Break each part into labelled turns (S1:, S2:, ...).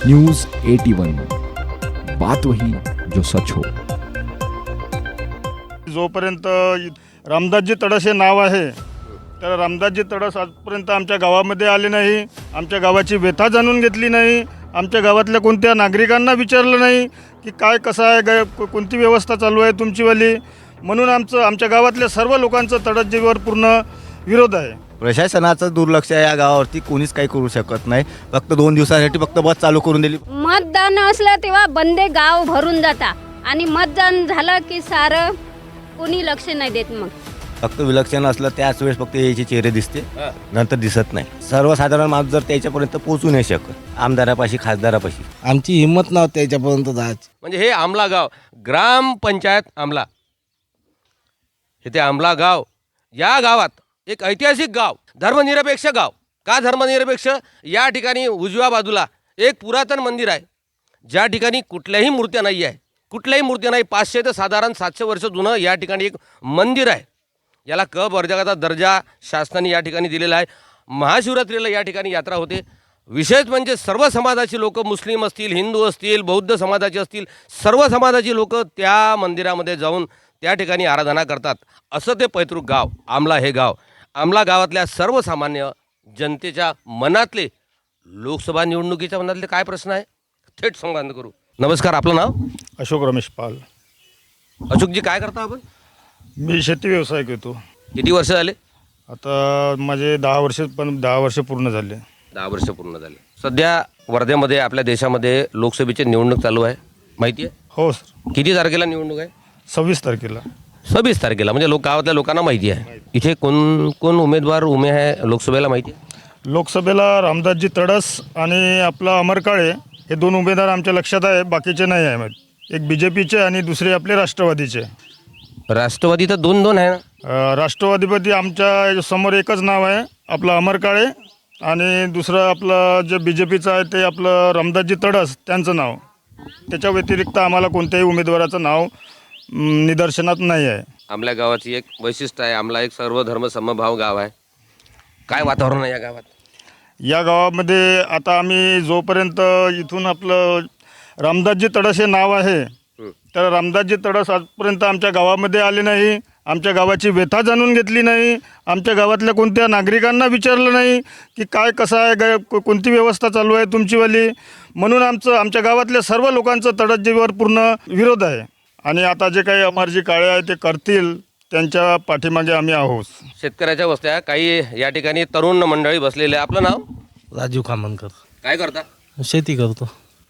S1: News 81 बात वही जो सच हो।
S2: जोपर्यंत रामदासजी तडस हे नाव आहे तर रामदासजी तडस आजपर्यंत आमच्या गावामध्ये आले नाही, आमच्या गावाची व्यथा जाणून घेतली नाही, आमच्या गावातल्या कोणत्या नागरिकांना विचारलं नाही की काय कसं आहे, कोणती व्यवस्था चालू आहे तुमचीवाली. म्हणून आमच्या गावातल्या सर्व लोकांचं तडसजीवर पूर्ण विरोध आहे.
S3: प्रशासनाचं दुर्लक्ष आहे या गावावरती, कोणीच काही करू शकत नाही. फक्त 2 दिवसासाठी फक्त बस चालू करून दिली.
S4: मतदान असलं तेव्हा बंदे गाव भरून जाता आणि मतदान झालं की सारं कोणी लक्ष नाही देत. मग
S3: फक्त विलक्षण असलं त्याच वेळेस फक्त याचे चेहरे दिसते, नंतर दिसत नाही. सर्वसाधारण माणूस जर त्याच्यापर्यंत पोहोचू नाही शकत, आमदारापाशी खासदारापाशी.
S5: आमची हिंमत नव्हती त्याच्यापर्यंत जायची.
S6: म्हणजे हे आमला गाव, ग्रामपंचायत आमला, हे ते आमला गाव. या गावात एक ऐतिहासिक गाव, धर्मनिरपेक्ष गाव. का धर्मनिरपेक्ष? या ठिकाणी उजव्या बाजूला एक पुरातन मंदिर आहे, ज्या ठिकाणी कुठल्याही मूर्त्या नाही आहे, कुठल्याही मूर्त्या नाही. 500 ते साधारण 700 वर्ष जुनं या ठिकाणी एक मंदिर आहे. याला क वर्गाचा दर्जा शासनाने या ठिकाणी दिलेला आहे. महाशिवरात्रीला या ठिकाणी यात्रा होते. विशेष म्हणजे सर्व समाजाची लोक, मुस्लिम असतील, हिंदू असतील, बौद्ध समाजाचे असतील, सर्व समाजाची लोक त्या मंदिरामध्ये जाऊन त्या ठिकाणी आराधना करतात. असं ते पैतृक गाव आमला हे गाव. आमला गावातल्या सर्वसामान्य जनतेच्या मनातले, लोकसभा निवडणुकीच्या मनातले काय प्रश्न आहे थेट संवाद करू. नमस्कार, आपलं नाव?
S2: अशोक रमेश पाल.
S6: अशोकजी, काय करता आपण?
S2: मी शेती व्यवसाय करतो.
S6: किती वर्ष झाले?
S2: आता माझे 10 वर्ष पूर्ण झाले.
S6: 10 वर्ष पूर्ण झाले. सध्या वर्ध्यामध्ये आपल्या देशामध्ये लोकसभेची निवडणूक चालू आहे, माहिती आहे?
S2: हो सर.
S6: किती तारखेला निवडणूक आहे?
S2: 26 तारखेला.
S6: 26 तारखेला, म्हणजे गावातल्या लोकांना माहिती आहे. इथे कोण कोण उमेदवार उमे आहे लोकसभेला, माहिती आहे?
S2: लोकसभेला रामदासजी तडस आणि आपला अमर काळे हे 2 उमेदवार आमच्या लक्षात आहे, बाकीचे नाही आहे. एक BJPचे आणि दुसरे आपले राष्ट्रवादीचे.
S6: राष्ट्रवादी तर 2 आहे ना.
S2: राष्ट्रवादीपती आमच्या समोर एकच नाव आहे, आपलं अमर काळे, आणि दुसरं आपलं जे BJPचं आहे ते आपलं रामदासजी तडस, त्यांचं नाव. त्याच्या व्यतिरिक्त आम्हाला कोणत्याही उमेदवाराचं नाव निदर्शनात नाही आहे.
S6: आमल्या गावाची एक वैशिष्ट्य आहे, आमला एक सर्वधर्म समभाव गाव आहे. काय वातावरण आहे या गावात?
S2: या गावामध्ये आता आम्ही जोपर्यंत इथून आपलं रामदासजी तडस हे नाव आहे तर रामदासजी तडस आजपर्यंत आमच्या गावामध्ये आले नाही, आमच्या गावाची व्यथा जाणून घेतली नाही, आमच्या गावातल्या कोणत्या नागरिकांना विचारलं नाही की काय कसं आहे, कोणती व्यवस्था चालू आहे तुमचीवाली. म्हणून आमच्या गावातल्या सर्व लोकांचं तडसजीवर पूर्ण विरोध आहे. आणि आता जे काही अमरजी काळे आहे ते करतील, त्यांच्या पाठीमागे आम्ही आहोत.
S6: शेतकऱ्याच्या वस्त्या, काही या ठिकाणी तरुण मंडळी बसलेले. आपलं नाव?
S5: राजू खामनकर.
S6: काय करता?
S5: शेती करतो.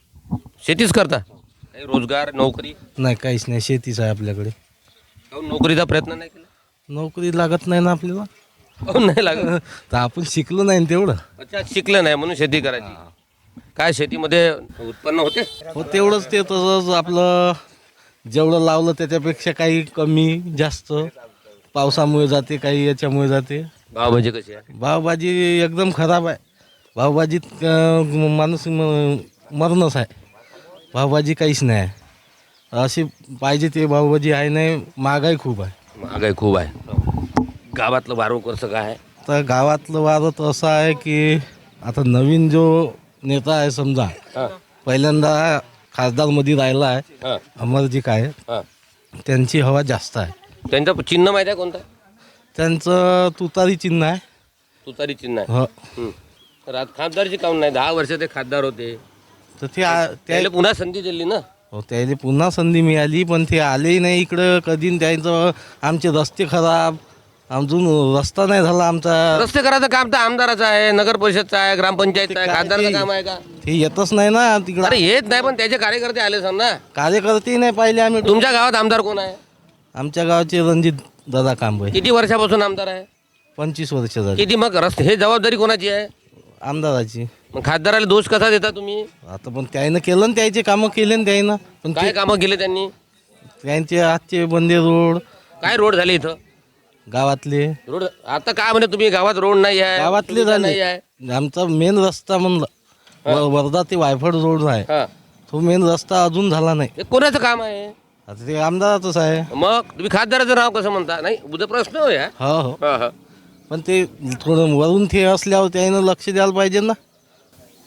S6: शेतीच करता? काही रोजगार, नोकरी?
S5: नाही, काहीच नाही, शेतीच आहे आपल्याकडे.
S6: काहून नोकरीचा प्रयत्न नाही केला?
S5: नोकरी लागत नाही ना आपल्याला.
S6: काहून नाही लागत?
S5: तर आपण शिकलो नाही ना तेवढं.
S6: अच्छा, शिकलं नाही म्हणून शेती करायची. काय शेतीमध्ये उत्पन्न होते?
S5: हो, तेवढंच. ते तसंच आपलं जेवढं लावलं त्याच्यापेक्षा काही कमी जास्त पावसामुळे जाते, काही याच्यामुळे जाते.
S6: भावभाजी कशी आहे?
S5: भावभाजी एकदम खराब आहे. भावभाजीत माणूस मरणच आहे. भावभाजी काहीच नाही आहे. अशी पाहिजे ते भावभाजी आहे नाही. महागाई खूप आहे.
S6: महागाई खूप आहे. गावातलं वारं कसं काय आहे?
S5: तर गावातलं वारं तर असं आहे की आता नवीन जो नेता आहे समजा, पहिल्यांदा खासदारमध्ये राहिला आहे अमरजी काळे, त्यांची हवा जास्त आहे.
S6: त्यांचं चिन्ह माहिती आहे कोणतं?
S5: त्यांचं तुतारी चिन्ह आहे.
S6: तुतारी चिन्ह आहे.
S5: हो.
S6: खासदारची काऊन नाही? 10 वर्ष ते खासदार होते,
S5: तर ते
S6: त्याला पुन्हा संधी दिली ना.
S5: हो, त्याला पुन्हा संधी मिळाली, पण ते आलेही नाही इकडं कधी. त्यांचं आमचे रस्ते खराब, अजून रस्ता नाही झाला आमचा.
S6: रस्ते करायचं काम तर आमदाराचं आहे, नगर परिषदचं आहे, ग्रामपंचायतचं आहे. खासदारचं काम आहे का?
S5: ते येतच नाही ना तिकडं.
S6: अरे येत नाही, पण त्याचे कार्यकर्ते आले सर ना.
S5: कार्यकर्ते नाही पाहिले आम्ही.
S6: तुमच्या गावात आमदार कोण आहे?
S5: आमच्या गावाचे रणजित दादा कांबळे.
S6: किती वर्षापासून आमदार आहे?
S5: 25 वर्ष झाली.
S6: किती? मग रस्ते हे जबाबदारी कोणाची आहे?
S5: आमदाराची.
S6: मग खासदाराला दोष कसा देता तुम्ही?
S5: आता पण त्यानं केलं ना, त्याचे कामं केले ना त्यानं. पण
S6: काय कामं केले त्यांनी?
S5: त्यांचे आजचे बंदे रोड,
S6: काय रोड झाले इथं
S5: गावातले
S6: रोड? आता काय म्हणे तुम्ही, गावात रोड नाही आहे,
S5: गावातले
S6: सुविधा
S5: झाले.
S6: नाही आहे.
S5: आमचा मेन रस्ता म्हणलं वर्धा ते वायफड रोड आहे,
S6: हा.
S5: तो मेन रस्ता अजून झाला नाही.
S6: हे कोणाचं काम आहे?
S5: आता ते आमदाराचंच आहे.
S6: मग तुम्ही खासदाराचं नाव कसं म्हणता? नाही, उद्या प्रश्न हो या.
S5: हो हो. पण ते थोडं वरून ते असल्यावर त्यानं लक्ष द्यायला पाहिजे ना.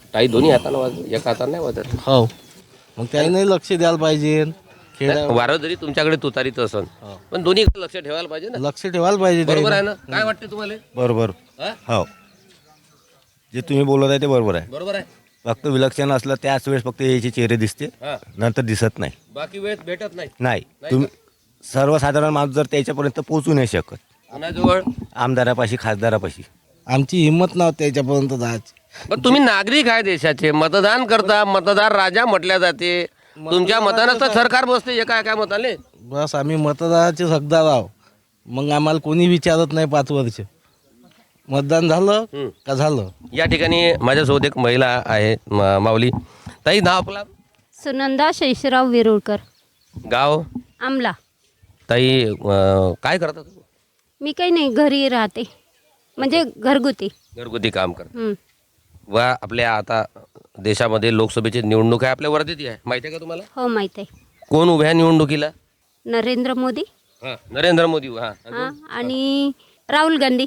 S6: काही दोन्ही हाताने वाजत, एका हाताने नाही वाजत.
S5: हो मग त्याने लक्ष द्यायला पाहिजे खेड्या
S6: वारं जरी तुमच्याकडे तुतारीच असन पण दोन्ही लक्ष ठेवायला पाहिजे ना.
S5: लक्ष ठेवायला पाहिजे
S6: बरोबर आहे
S5: त्याने.
S6: ना? काय वाटते तुम्हाला?
S3: बरोबर
S6: हा?
S3: हो जे तुम्ही बोलत आहे ते बरोबर आहे.
S6: बरोबर आहे.
S3: फक्त विलक्षण असलं त्याच वेळेस फक्त याचे चेहरे दिसते,
S6: हा.
S3: नंतर दिसत नाही.
S6: बाकी वेळ भेटत नाही.
S3: नाही तुम्ही सर्वसाधारण माणूस जर त्याच्यापर्यंत पोहोचू नाही शकत.
S6: कोणाजवळ?
S3: आमदारापाशी खासदारापाशी
S5: आमची हिंमत नव्हती त्याच्यापर्यंत जायची.
S6: पण तुम्ही नागरिक आहे देशाचे, मतदान करता, मतदार राजा म्हटल्या जाते. तुमच्या मतानं तर सरकार बसते एका एका मताने.
S5: बस आम्ही मतदानाचे हकदार आहो. मग आम्हाला कोणी विचारत नाही 5 वर्ष. मतदान झालं का झालं.
S6: या ठिकाणी माझ्यासोबत एक महिला आहे, माऊली ताई. नाव आपला?
S4: सुनंदा शेषराव विरुळकर,
S6: गाव?
S4: आमला.
S6: ताई काय करता तुम्ही?
S4: मी काही नाही, घरी राहते, म्हणजे घरगुती.
S6: घरगुती काम करता.
S4: हं.
S6: व आपल्या आता देशामध्ये लोकसभेची निवडणूक आहे, आपल्या वर्धेत आहे, माहिती आहे का तुम्हाला?
S4: हो माहीत आहे.
S6: कोण उभ्या आहे निवडणुकीला?
S4: नरेंद्र मोदी.
S6: हां, नरेंद्र मोदी. हां,
S4: हां, आणि राहुल गांधी.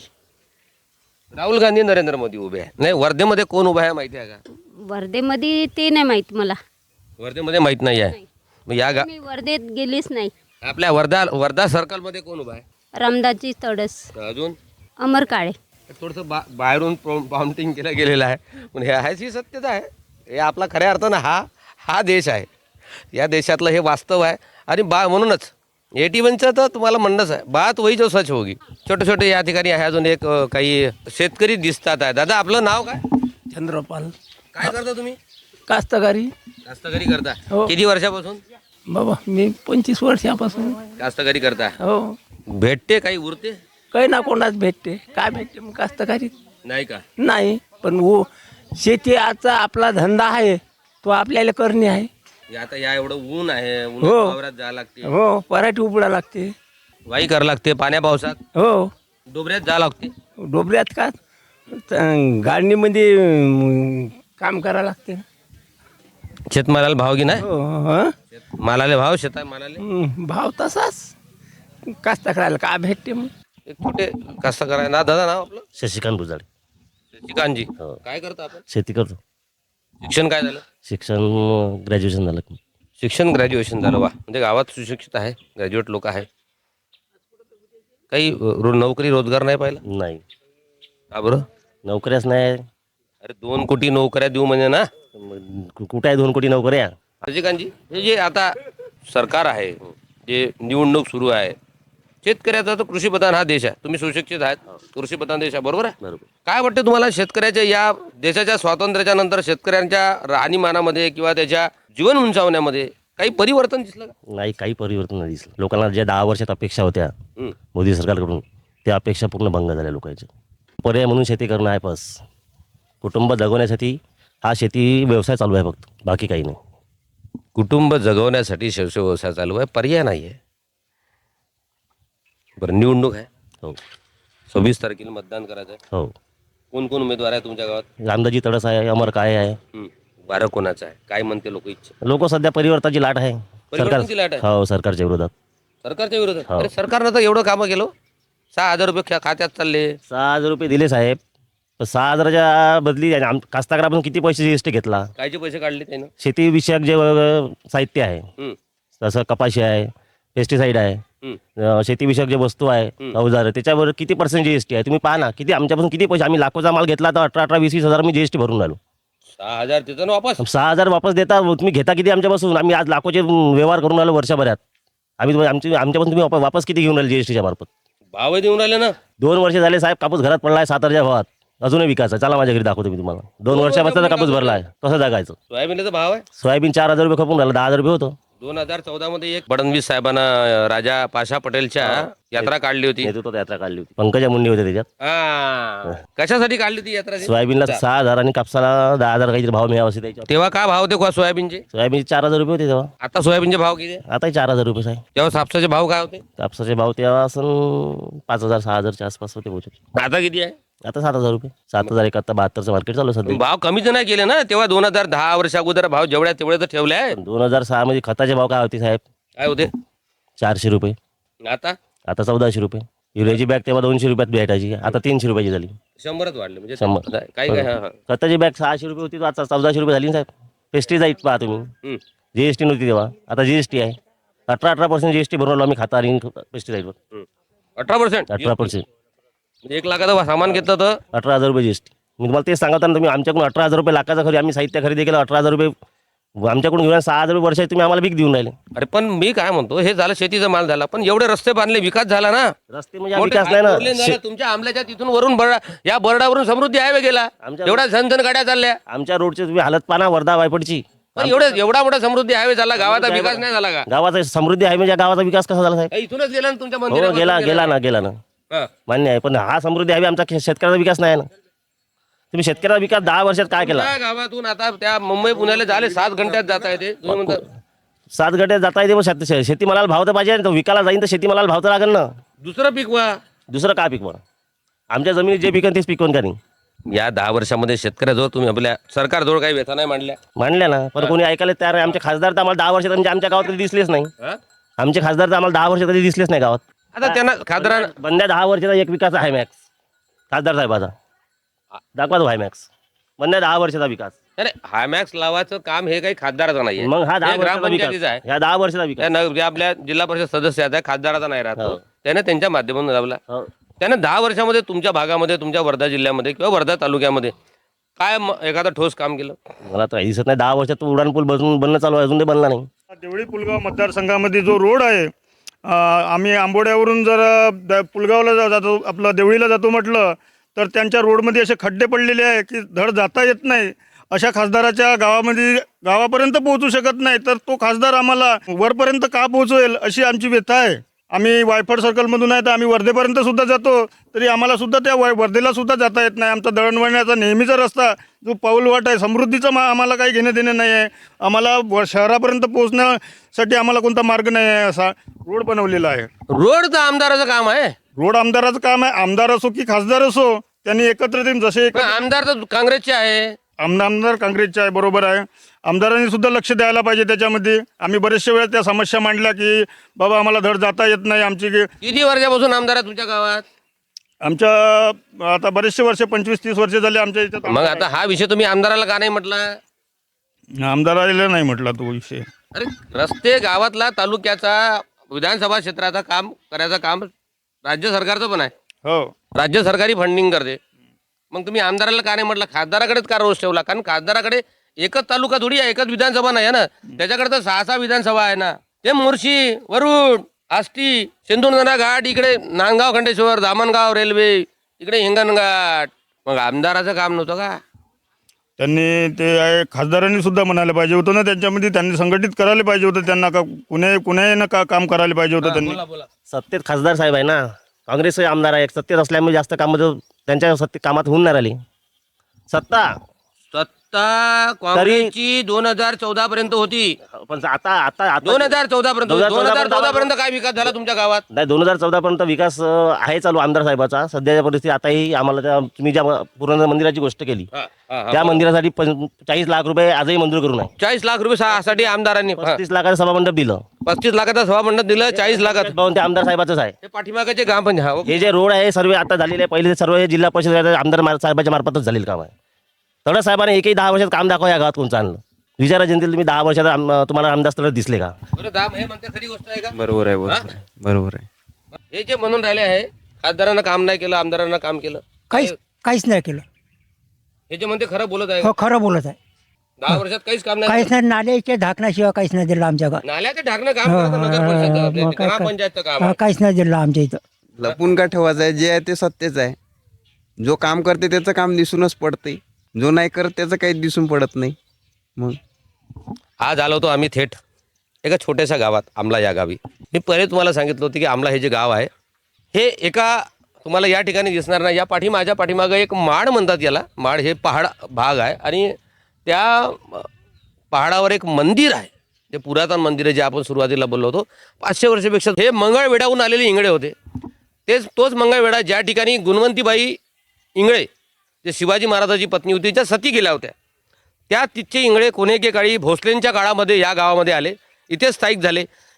S6: राहुल गांधी, नरेंद्र मोदी उभे आहे. नाही, वर्धेमध्ये कोण उभा आहे माहिती आहे का?
S4: वर्धेमध्ये ते नाही माहीत मला.
S6: वर्धेमध्ये माहीत नाही आहे. मग या
S4: मी वर्धेत गेलीच नाही.
S6: आपल्या वर्धा सर्कलमध्ये कोण उभा आहे?
S4: रामदासजी तडस,
S6: अजून
S4: अमर काळे.
S6: थोडंसं बाहेरून पाउंटिंग केलं गेलेलं आहे, पण हे आहेच ही सत्यता आहे. हे आपला खऱ्या अर्थानं हा देश आहे. या देशातलं हे वास्तव आहे. आणि म्हणूनच 81चं तर तुम्हाला म्हणणंच आहे, बात वही जो सच होगी. छोटे छोटे या ठिकाणी आहे अजून एक काही शेतकरी दिसतात आहे. दादा आपलं नाव काय?
S7: चंद्रपाल.
S6: काय करता तुम्ही?
S7: कास्तकारी.
S6: कास्तकारी करता?
S7: हो.
S6: किती वर्षापासून?
S7: बाबा मी 25 वर्षापासून.
S6: कास्तकारी करता?
S7: हो.
S6: भेटते काही उरते?
S7: काही ना कोणाच भेटते. काय भेटते मग कास्तकारी?
S6: नाही का?
S7: नाही, पण शेती आजचा आपला धंदा आहे, तो आपल्याला करणे आहे.
S6: आता या एवढं ऊन आहे,
S7: हो.
S6: उन्हात वावरात जावं लागते,
S7: हो, पराठी उपडा लागते.
S6: वाई करावं लागते, पाण्या पावसात
S7: हो.
S6: डोबऱ्यात जावं लागते.
S7: डोबऱ्यात का गाडणीमध्ये काम करावं लागते.
S6: शेतमालाला भाव की नाही?
S7: हो. हं?
S6: मालाले भाव, शेता मालाले
S7: भाव तसाच. कास्तकाराला काय भेटते मग?
S6: एक कुठे कसं करायला ना. दादा नाव आपलं?
S8: शशिकांत गुजाडे.
S6: शशिकांतजी. काय करता आपण?
S8: शेती करतो.
S6: शिक्षण काय झालं?
S8: शिक्षण ग्रॅज्युएशन झालं.
S6: शिक्षण ग्रॅज्युएशन झालं. वा, म्हणजे गावात सुशिक्षित आहे, ग्रॅज्युएट लोक आहे. काही नोकरी रोजगार नाही पाहिला?
S8: नाही,
S6: का बरं?
S8: नोकऱ्याच नाही.
S6: अरे 2 कोटी नोकऱ्या देऊ म्हणजे ना.
S8: कुठं आहे 2 कोटी नोकऱ्या?
S6: शशिकांतजी, हे जे आता सरकार आहे, जे निवडणूक सुरू आहे, शेतकऱ्याचा तर कृषीप्रधान हा देश आहे. तुम्ही सुशिक्षित आहात, कृषीप्रधान देश आहे, बरोबर आहे?
S8: बरोबर.
S6: काय वाटतं तुम्हाला शेतकऱ्याच्या या देशाच्या स्वातंत्र्याच्या नंतर शेतकऱ्यांच्या राहणीमानामध्ये किंवा त्याच्या जीवन उंचावण्यामध्ये काही परिवर्तन दिसलं का?
S8: नाही, काही परिवर्तन नाही दिसलं. लोकांना ज्या 10 वर्षात अपेक्षा होत्या
S6: हं.
S8: मोदी सरकारकडून, त्या अपेक्षा पूर्ण भंग झाल्या लोकांच्या. पर्याय म्हणून शेती करणं आहे बस. कुटुंब जगवण्यासाठी हा शेती व्यवसाय चालू आहे फक्त, बाकी काही नाही.
S6: कुटुंब जगवण्यासाठी व्यवसाय चालू आहे, पर्याय नाही आहे. बरं, निवडणूक आहे,
S8: हो
S6: 26 तारखेला मतदान करायचं आहे.
S8: हो.
S6: कोण कोण उमेदवार आहे तुमच्या गावात?
S8: रामदासजी तडस आहे, अमर काळे आहे.
S6: वारं कोणाचं आहे, काय म्हणते लोक इच्छा?
S8: लोक सध्या परिवर्तनाची लाट आहे.
S6: परिवर्तनाची लाट आहे?
S8: हो, सरकारच्या विरोधात.
S6: सरकारच्या विरोधात?
S8: हो.
S6: अरे सरकारनं तर एवढं कामं केलं. 6,000 रुपये खात्यात चालले.
S8: 6,000 रुपये दिले साहेब. 6,000च्या बदली कास्तकारापासून किती पैसे जीएसटी घेतला?
S6: कायचे पैसे काढले त्यानं?
S8: शेती विषयक जे साहित्य आहे,
S6: हं.
S8: जसं कपाशी आहे, पेस्टिसाईड आहे, शेती विषयक जे वस्तू आहे, अवजार, त्याच्यावर किती % जीएसटी आहे? तुम्ही पहा ना, किती आमच्यापासून किती पैसे. आम्ही लाखोचा माल घेतला तर 18-18, 20-20 हजार मी जीएसटी भरून राहिलो.
S6: 6,000 तिथं ना वापस?
S8: 6,000 वापस देता तुम्ही, घेता किती आमच्यापासून? आम्ही आज लाखोचे व्यवहार करून राहिलो वर्षभरात. आमच्यापासून तुम्ही वापस किती घेऊन राहिले जीएसटीच्या मार्फत?
S6: भाव देऊन राहिले ना.
S8: 2 वर्ष झाले साहेब, कापूस घरात पडला आहे 7,000च्या भावात, अजूनही विकायचा. चला माझ्या घरी दाखवतो मी तुम्हाला. 2 वर्षापासून कापूस भरला आहे, कसं जगायचं?
S6: सोयाबीनचा भाव आहे?
S8: सोयाबीन 4,000 रुपये खपून राहिला, 10,000 रुपये होतं.
S6: 2014 मध्ये एक फडणवीस साहेबांना राजा पाशा पटेलच्या यात्रा काढली होती.
S8: नेतृत्वात यात्रा काढली होती, पंकजा मुंडे होते त्याच्यात.
S6: कशासाठी काढली होती यात्रा?
S8: सोयाबीनला 6,000 आणि कापसाला 10,000 काहीतरी भाव मिळावा असे त्याच्यावर.
S6: तेव्हा काय भाव होते सोयाबीनचे?
S8: सोयाबीनचे 4,000 रुपये होते तेव्हा.
S6: आता सोयाबीनचे भाव किती?
S8: आताही 4,000 रुपये साहेब.
S6: तेव्हा कापसाचे भाव काय होते?
S8: कापसाचे भाव तेव्हा असं 5,000 6,000च्या आसपास होते बहुतेक.
S6: आता किती आहे?
S8: आता 7,000 रुपये. 7,001 आता 72चं मार्केट चालू आहे सध्या.
S6: भाव कमीच नाही केले ना. तेव्हा 2010 वर्ष अगोदर भाव जेवढ्या तेवढे तर ठेवले आहे.
S8: 2006 मध्ये खताचे भाव काय होते साहेब?
S6: काय होते?
S8: 400 रुपये.
S6: आता
S8: आता 1,400 रुपये. युरियाची बॅग तेव्हा 200 रुपयात भेटायची, आता 300 रुपयाची झाली.
S6: 100च वाढले म्हणजे
S8: 100.
S6: काय काय हा, हा.
S8: खताची बॅग 600 रुपये होती, तो आता 1400 रुपये झाली ना साहेब. पेस्टिसाईड पहा तुम्ही,
S6: हम्म.
S8: जीएसटी नव्हती तेव्हा, आता जीएसटी आहे. 18% जीएसटी भरून आलो आम्ही खाता आणि पेस्टिसाईडवर.
S6: 18%.
S8: 18%.
S6: म्हणजे 1 लाखाचं सामान घेतलं तर
S8: 18,000 रुपये जीएसटी. मी तुम्हाला तेच सांगता ना, तुम्ही आमच्याकडून 18,000 रुपये लाखाचं खरी आम्ही साहित्य खरेदी केलं, 18,000 रुपये आमच्याकडून घेऊन 6,000 रुपये वर्षाचे तुम्ही आम्हाला भीक देऊन राहिले.
S6: अरे पण मी काय म्हणतो, हे झालं शेतीचा माल झाला, पण एवढे रस्ते बांधले, विकास झाला ना.
S8: रस्ते म्हणजे हा
S6: मोठे
S8: विकास नाही
S6: हायवे झाले,
S8: ना.
S6: तुमच्या आंबल्याच्या तिथून वरून या बर्डावरून समृद्धी हायवे गेला,
S8: आमच्या-
S6: एवढ्या झनझन गाड्या चालल्या.
S8: आमच्या रोडची तुम्ही हालत पाना वर्धा वायपडची.
S6: पण एवढा मोठा समृद्धी हायवे झाला, गावाचा विकास नाही झाला का?
S8: गावाचा समृद्धी आहे म्हणजे गावाचा विकास कसा झाला साहेब?
S6: इथूनच गेला ना तुमच्या
S8: हो,
S6: मंदिरापासून
S8: गेला ना
S6: हा.
S8: मान्य आहे, पण हा समृद्धी आहे आमचा शेतकऱ्याचा विकास नाही ना. तुम्ही शेतकऱ्याचा विकास 10 वर्षात काय केला?
S6: त्या गावातून आता त्या मुंबई पुण्याला झाले 7 घंट्यात जाता येते. तुम्ही म्हणता
S8: 7 गटे जाता येते, पण शेतीमालाला भाव तर पाहिजे ना. तो विकायला जाईन तर शेतीमालाला भाव तर लागेल ना.
S6: दुसरं पीक वा.
S8: दुसरं काय पिकवा? आमच्या जमिनीत जे पिकन तेच पिकवून का नाही?
S6: या 10 वर्षामध्ये शेतकऱ्याजवळ तुम्ही आपल्या सरकारजवळ काही व्यथा नाही मांडल्या.
S8: मांडल्या ना, पण कोणी ऐकायला तयार नाही. आमचे खासदार तर आम्हाला 10 वर्षात म्हणजे आमच्या गावात कधी दिसलेच नाही.
S6: हा?
S8: आमचे खासदार तर आम्हाला 10 वर्षात कधी दिसलेच नाही गावात.
S6: आता त्यांना खासदार
S8: बंद्या 10 वर्षाचा एक विकास आहे मॅक्स खासदार साहेबाचा. दाखवा तो हाय मॅक्स बंद्या 10 वर्षाचा विकास.
S6: अरे हायमॅक्स लावायचं काम हे काही खासदाराचं नाहीये.
S8: मग हा 10
S6: हे
S8: वर्षाचा
S6: ग्रामपंचायतीचं
S8: विकास
S6: आहे.
S8: ह्या 10 वर्षाचा विकास.
S6: जे आपल्या जिल्हा परिषद सदस्य आहेत खासदाराचा नाही राहतो,
S8: हो.
S6: त्याने त्यांच्या माध्यमातून लावला.
S8: हो.
S6: त्याने 10 वर्षामध्ये तुमच्या भागामध्ये, तुमच्या वर्धा जिल्ह्यामध्ये किंवा वर्धा तालुक्यामध्ये काय एखादं ठोस काम केलं?
S8: मला तर काही दिसत नाही. 10 वर्षात तो उडान पूल बनणं चालू आहे, अजून ते बनला नाही.
S2: देवळी पुलगाव मतदारसंघामध्ये जो रोड आहे, आम्ही आंबोड्यावरून जर पुलगावला जातो, आपलं देवळीला जातो म्हटलं तर त्यांच्या रोडमध्ये असे खड्डे पडलेले आहे की धड जाता येत नाही. अशा खासदाराच्या गावापर्यंत पोहोचू शकत नाही, तर तो खासदार आम्हाला वरपर्यंत का पोहोचवेल अशी आमची व्यथा आहे. आम्ही वायफड सर्कलमधून आहे तर आम्ही वर्धेपर्यंत सुद्धा जातो, तरी आम्हाला सुद्धा त्या वर्धेला सुद्धा जाता येत नाही. आमचा दळणवळणाचा नेहमीचा रस्ता जो पाऊलवाट आहे समृद्धीचा आम्हाला काही घेणं देणं नाही आहे. आम्हाला शहरापर्यंत पोहोचण्यासाठी आम्हाला कोणता मार्ग नाही आहे, असा रोड बनवलेला आहे.
S6: रोड तर आमदाराचं काम आहे.
S2: रोड आमदाराचं काम आहे. आमदार असो की खासदार असो, त्यांनी एकत्र येऊन जसे
S6: पण आमदार तर काँग्रेसचे आहे.
S2: आमदार काँग्रेसचे आहे, बरोबर आहे. आमदारांनी सुद्धा लक्ष द्यायला पाहिजे त्याच्यामध्ये. आम्ही बरेचशा वेळा त्या समस्या मांडल्या की बाबा आम्हाला धड जाता येत नाही. आमची
S6: किती वर्षापासून आमदार आहे तुमच्या गावात?
S2: आमच्या आता बरेचसे वर्ष 25-30 वर्ष झाले आमच्या इथं.
S6: मग आता हा विषय तुम्ही आमदाराला का नाही म्हटला?
S2: आमदाराला नाही म्हटला तो विषय.
S6: अरे रस्ते गावातला, तालुक्याचा, विधानसभा क्षेत्राचा काम करायचं काम राज्य सरकारचं पण आहे.
S2: हो,
S6: राज्य सरकारी फंडिंग करते. मग तुम्ही आमदाराला का नाही म्हटलं? खासदाराकडेच का रोष ठेवला? कारण खासदाराकडे एकच तालुका थोडी आहे, एकच विधानसभा नाही आहे ना. त्याच्याकडे तर 6 विधानसभा आहे ना. ते मोर्शी, वरुड, आष्टी, सिंधुदुर्ग घाट, इकडे नांदगाव, खंडेश्वर, दामणगाव रेल्वे, इकडे हिंगणघाट. मग आमदाराचं काम नव्हतं का?
S2: त्यांनी ते आहे खासदारांनी सुद्धा म्हणायला पाहिजे होतं ना, त्यांच्यामध्ये त्यांनी संघटित करायला पाहिजे होतं. त्यांना का कुणाही का काम करायला पाहिजे होतं त्यांनी.
S8: सत्तेत खासदार साहेब आहे ना, काँग्रेसचे आमदार आहे. सत्तेत असल्यामुळे जास्त कामं त्यांच्या कामात होऊन नाही राहिली. सत्ता
S6: काँग्रेसची 2014 पर्यंत होती.
S8: पण आता
S6: 2014 पर्यंत
S8: 2014
S6: पर्यंत काय विकास झाला तुमच्या गावात?
S8: नाही, 2014 पर्यंत विकास आहे चालू आमदार साहेबाचा. सध्याच्या परिस्थिती आताही आम्हाला तुम्ही ज्या पुराण मंदिराची गोष्ट केली त्या मंदिरासाठी 40 लाख रुपये आजही मंजूर करून आहे.
S6: 40 लाख रुपये साठी आमदारांनी
S8: 35 लाखाचं सभामंडप दिलं.
S6: 35 लाखाचा सभामंडप दिलं, 40 लाखात
S8: ते आमदार साहेबाचंच आहे.
S6: हे पाठीमागाचे काम पण
S8: हे जे रोड आहे सर्व आता झालेले आहे. पहिले सर्व हे जिल्हा परिषद आमदार साहेबाच्या मार्फतच झालेलं काम आहे. तडस साहेबांनी एकही 10 वर्षात काम दाखवा या गावात कोणचं आणलं? विचारा जनतेला, तुम्ही 10 वर्षात तुम्हाला आमदार स्थळ दिसले का?
S6: हे म्हणते खरी गोष्ट आहे का?
S9: बरोबर आहे, बरोबर आहे.
S6: हे जे म्हणून राहिले आहे खासदारांना काम नाही केलं, आमदारांना काम केलं,
S10: काहीच नाही केलं.
S6: हे जे म्हणते खरं बोलत आहे.
S10: हो, खरं बोलत आहे.
S6: 10 वर्षात काहीच काम नाही
S10: काहीच नाही. नाल्याच्या ढाकण्याशिवाय काहीच नाही दिलं आमच्या गावात.
S6: नाल्याचे ढाकणं काम करतं नगर परिषद, आपल्या ग्रामपंचायतचं काम आहे.
S10: काहीच नाही दिलं आमच्या इथं.
S9: लपून का ठेवायचं आहे? जे आहे ते सत्यच आहे. जो काम करते त्याचं काम दिसूनच पडते, जो नाही करत त्याचं काही दिसून पडत नाही. मग
S6: आज आलो होतो आम्ही थेट एका छोट्याशा गावात, आमला या गावी. मी पहिले तुम्हाला सांगितलं होतं की आमला हे जे गाव आहे हे एका तुम्हाला या ठिकाणी दिसणार नाही. या माझ्या पाठीमागं एक माड म्हणतात याला. माड हे पहाड भाग आहे आणि त्या पहाडावर एक मंदिर आहे. ते पुरातन मंदिर आहे जे आपण सुरुवातीला बोललो होतो. 500 वर्षापेक्षा हे मंगळवेढाहून आलेले इंगळे होते. तोच मंगळवेढा ज्या ठिकाणी गुणवंतीबाई इंगळे जे शिवाजी महाराजाची पत्नी होती, ज्या सती गेल्या होत्या, त्या तिथचे इंगळे कोणेके काळी भोसलेंच्या काळामध्ये या गावामध्ये आले, इथे स्थायिक झाले.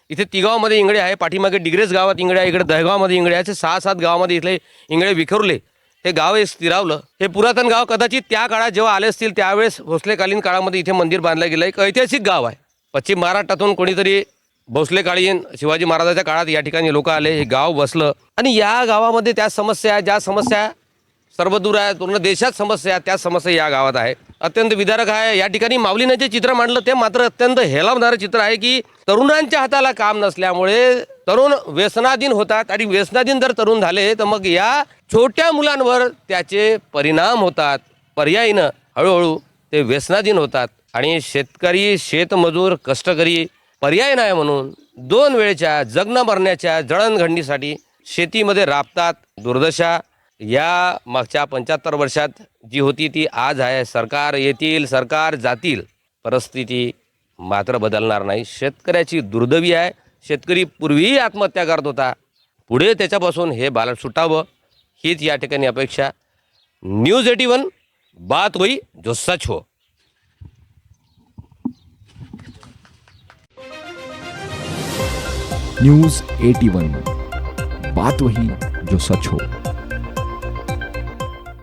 S6: इथे तिगावमध्ये इंगळे आहे, पाठीमागे डिग्रेस गावात इंगळे आहे, इकडे दहगावमध्ये इंगळे आहे, असे 6-7 गावामध्ये इथले इंगळे विखरले. हे गाव हे स्थिरावलं. हे पुरातन गाव कदाचित त्या काळात जेव्हा आले असतील त्यावेळेस भोसलेकालीन काळामध्ये इथे मंदिर बांधलं गेलं. एक ऐतिहासिक गाव आहे. पश्चिम महाराष्ट्रातून कोणीतरी भोसलेकालीन शिवाजी महाराजाच्या काळात या ठिकाणी लोक आले, हे गाव बसलं आणि या गावामध्ये त्या समस्या, ज्या समस्या सर्वदूर आहेत, पूर्ण देशात समस्या, त्या समस्या या गावात आहे. अत्यंत विदारक आहे. या ठिकाणी माऊलीने जे चित्र मांडलं ते मात्र अत्यंत हेलावणारं चित्र आहे की तरुणांच्या हाताला काम नसल्यामुळे तरुण व्यसनाधीन होतात आणि व्यसनाधीन जर तरुण झाले तर मग या छोट्या मुलांवर त्याचे परिणाम होतात. पर्यायीनं हळूहळू ते व्यसनाधीन होतात आणि शेतकरी, शेतमजूर, कष्टकरी पर्याय नाही म्हणून 2 वेळच्या जगणं मरण्याच्या जळणघडणीसाठी शेतीमध्ये राबतात. दुर्दशा या मागच्या 75 वर्षात जी होती ती आज आहे. सरकार येतील, सरकार जातील, परिस्थिती मात्र बदलणार नाही. शेतकऱ्याची दुर्दैवी आहे. शेतकरी पूर्वीही आत्महत्या करत होता, पुढे त्याच्यापासून हे बालक सुटावं हीच या ठिकाणी अपेक्षा. न्यूज 81 बात होई जो सच हो.
S1: न्यूज 81 बात वही जो सच हो.